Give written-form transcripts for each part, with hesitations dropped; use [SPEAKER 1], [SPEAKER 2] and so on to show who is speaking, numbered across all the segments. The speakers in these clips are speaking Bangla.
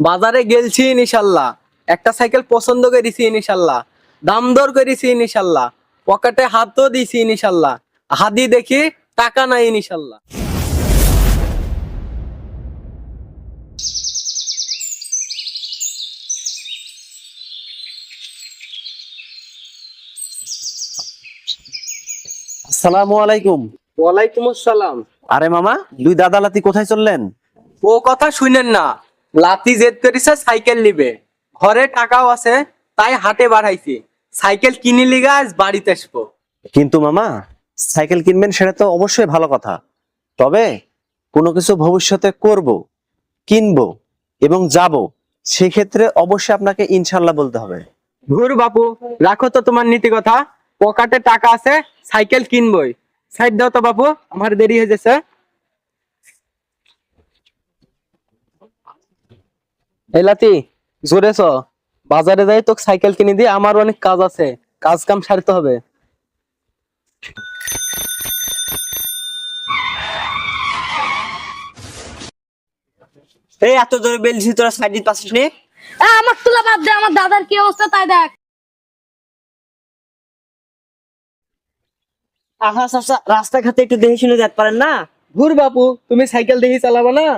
[SPEAKER 1] বাজারে গেলছি ইনশাল্লাহ, একটা সাইকেল পছন্দ করেছি ইনশাল্লাহ, দাম দর করেছি ইনশাল্লাহ, পকেটে হাতও দিছি ইনশাল্লাহ, হাদি দেখি টাকা নাই ইনশাল্লাহ।
[SPEAKER 2] আসসালামু আলাইকুম।
[SPEAKER 1] ওয়ালাইকুম আসসালাম।
[SPEAKER 2] আরে মামা, দুই দাদা লাতি কোথায় চললেন?
[SPEAKER 1] ও কথা শুনেন না, লাতি জেদ করেছে সাইকেল নিবে, ঘরে টাকাও আছে, তাই হাটে বাড়াইছি, সাইকেল কিনে লিগা আজ বাড়িতে আসবো।
[SPEAKER 2] কিন্তু মামা, সাইকেল কিনবেন সেটা তো অবশ্যই ভালো কথা, তবে কোনো কিছু ভবিষ্যতে করব, কিনবো এবং যাব, সেক্ষেত্রে অবশ্যই আপনাকে ইনশাল্লাহ বলতে হবে।
[SPEAKER 1] ঘুর বাপু, রাখো তো তোমার নীতি কথা, পকেটে টাকা আছে, সাইকেল কিনবই। সাইড দাও তো বাপু, আমার দেরি হয়ে যাচ্ছে। এলাতি জোরে চ, বাজারে যাই তোকে সাইকেল কিনে দিয়ে, আমার অনেক কাজ আছে, কাজ কাম সারতে হবে।
[SPEAKER 3] এই এত জোরে বেলছি, তোরা সাইড দিতে পারছিস নি?
[SPEAKER 4] আমার তুলা বাদ দে, আমার দাদার কি অবস্থা তাই দেখ।
[SPEAKER 3] আহা চাচা, রাস্তাঘাটে একটু দেখে শুনে যেতে পারেন না?
[SPEAKER 1] ঘুর বাপু, তুমি সাইকেল দেখি চালাবা না?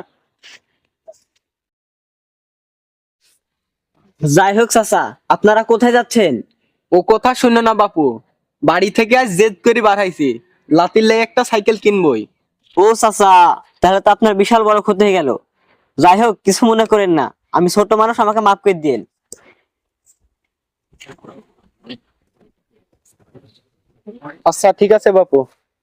[SPEAKER 3] যাই হোক চাচা, আপনারা কোথায় যাচ্ছেন?
[SPEAKER 1] ও কথা শুনে না বাপু, বাড়ি থেকে আজ জেদ করে বাড়াইছি, লাতির লেগে একটা সাইকেল কিনবই।
[SPEAKER 3] ও চাচা, তাহলে তো আপনার বিশাল বড় ক্ষতি হয়ে গেল। যাই হোক, কিছু মনে করেন না, আমি ছোট মানুষ, আমাকে মাফ করে দিন।
[SPEAKER 1] আচ্ছা ঠিক আছে বাপু।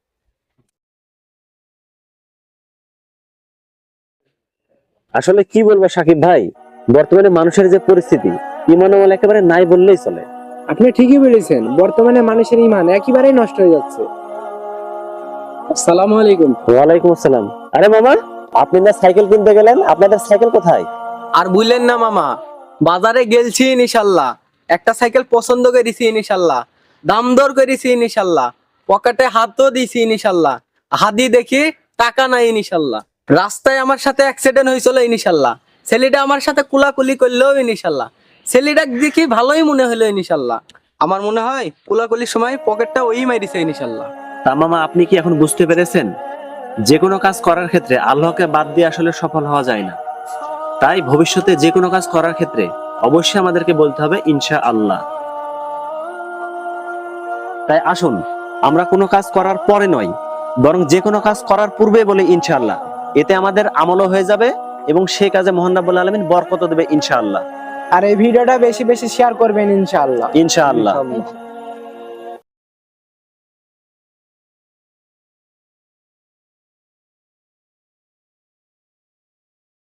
[SPEAKER 2] আসলে কি বলবো সাকিব ভাই, বর্তমানে মানুষের যে পরিস্থিতি, ইমান আমল একেবারে নাই বললেই চলে।
[SPEAKER 1] আপনি ঠিকই বলেছেন, বর্তমানে মানুষের ইমান একেবারেই নষ্ট হয়ে যাচ্ছে। আসসালামু আলাইকুম।
[SPEAKER 2] ওয়ালাইকুম আসসালাম। আরে মামা, আপনি না সাইকেল কিনতে গেলেন, আপনাদের সাইকেল কোথায়?
[SPEAKER 1] আর বুঝলেন না মামা, বাজারে গেলছি ইনশাল্লাহ, একটা সাইকেল পছন্দ করেছি ইনশাল্লাহ, দাম দর করেছি ইনশাল্লাহ, পকেটে হাতও দিছি ইনশাল্লাহ, হাদি দেখি টাকা নাই ইনশাল্লাহ। রাস্তায় আমার সাথে অ্যাক্সিডেন্ট হয়েছিল ইনশাল্লাহ, ছেলেটা আমার সাথে কুলাকুলি করলেও ইনশাল্লাহ, ছেলেটা দেখি ভালোই মনে হলো ইনশাল্লাহ। আমার মনে হয় কুলাকুলির সময় পকেটটা ওই মারিছে ইনশাল্লাহ।
[SPEAKER 2] তা মামা, আপনি কি এখন বুঝতে পেরেছেন যে কোনো কাজ করার ক্ষেত্রে আল্লাহকে বাদ দিয়ে আসলে সফল হওয়া যায় না? তাই ভবিষ্যতে যে কোনো কাজ করার ক্ষেত্রে অবশ্যই আমাদেরকে বলতে হবে ইনশাআল্লাহ। তাই আসুন, আমরা কোনো কাজ করার পরে নয়, বরং যে কোনো কাজ করার পূর্বে বলি ইনশাআল্লাহ। এতে আমাদের আমলও হয়ে যাবে এবং সেই কাজে মহান রাব্বুল আলামিন বরকত দেবে ইনশাআল্লাহ।
[SPEAKER 1] আর এই ভিডিওটা বেশি বেশি শেয়ার করবেন ইনশাআল্লাহ।
[SPEAKER 2] ইনশাআল্লাহ।